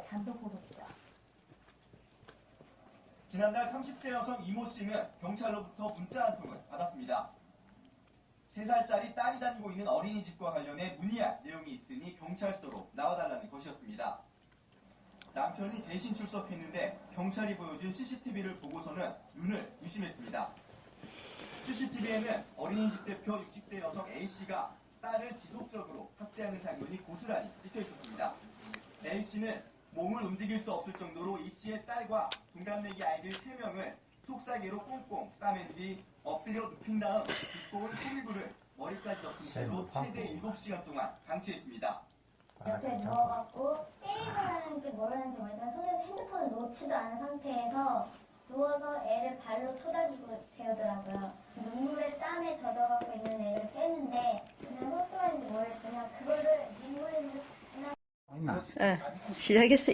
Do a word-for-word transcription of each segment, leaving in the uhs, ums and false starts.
단독 보도입니다. 지난달 삼십 대 여성 이모 씨는 경찰로부터 문자 한 통을 받았습니다. 세 살짜리 딸이 다니고 있는 어린이집과 관련해 문의할 내용이 있으니 경찰서로 나와달라는 것이었습니다. 남편이 대신 출석했는데 경찰이 보여준 씨씨티비를 보고서는 눈을 의심했습니다. 씨씨티비에는 어린이집 대표 육십 대 여성 A씨가 딸을 지속적으로 학대하는 장면이 고스란히 찍혀 있었습니다. A씨는 몸을 움직일 수 없을 정도로 E씨의 딸과 동갑내기 아이들 세 명을 속삭이로 꽁꽁 싸맨 뒤 엎드려 눕힌 다음 두꺼운 소리불을 머리까지 덮은 채로 최대 일곱 시간 동안 방치했습니다. 옆에 누워갖고 게임을 하는지 모르는지 모르지만 손에서 핸드폰을 놓지도 않은 상태에서 누워서 애를 발로 토닥이고 재우더라고요. 눈물에 땀에 젖어갖고 있는 애를 떼는데 그냥 헛소리인지 모르겠지만 그거를 눈물에 그냥 네, 시작했어요.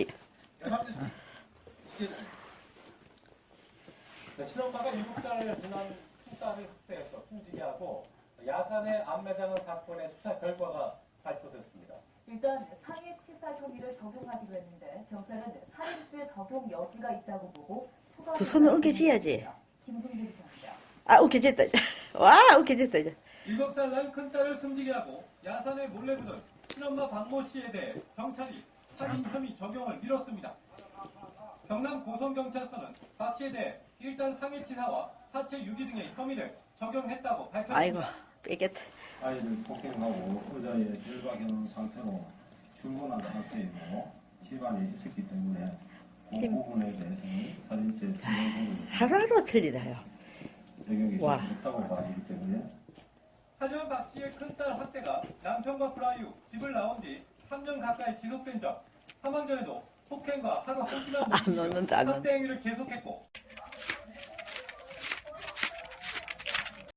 친엄마가 일곱 살을 지난 큰딸을 학대해서 숨지게 하고 야산에 안매장한 사건의 수사 결과가 발표됐습니다. 일단 상해치사 혐의를 적용하기로 했는데 경찰은 살인죄 적용 여지가 있다고 보고 추가 두 손을 옮겨줘야지. 김승빈 기자입니다. 아, 웃겨졌다. 와, 웃겨졌다. 이제. 일곱 살 난 큰딸을 숨지게 하고 야산에 몰래 부른 친엄마 박모 씨에 대해 경찰이 살인 혐의 적용을 미뤘습니다. 경남 고성경찰서는 박 씨에 대해 일단 상해치사와 사체 유기 등의 혐의를 적용했다고 밝혔습니다. 아이고, 뺏겼다. 아이를 폭행하고 의자에 결박해놓은 상태로 출근한 상태이고 집안에 있었기 때문에 그 부분에 대해서는 살인죄 적용 하루하루 틀리다요. 적용이 와. 있다고 봐지기 때문에 하지만 박 씨의 큰딸 학대가 남편과 불화 이후 집을 나온 지 삼 년 가까이 지속된 점, 사망 전에도 폭행과 하루 한 시간 안 놓는다, 안 놓는다. 학대 행위를 계속했고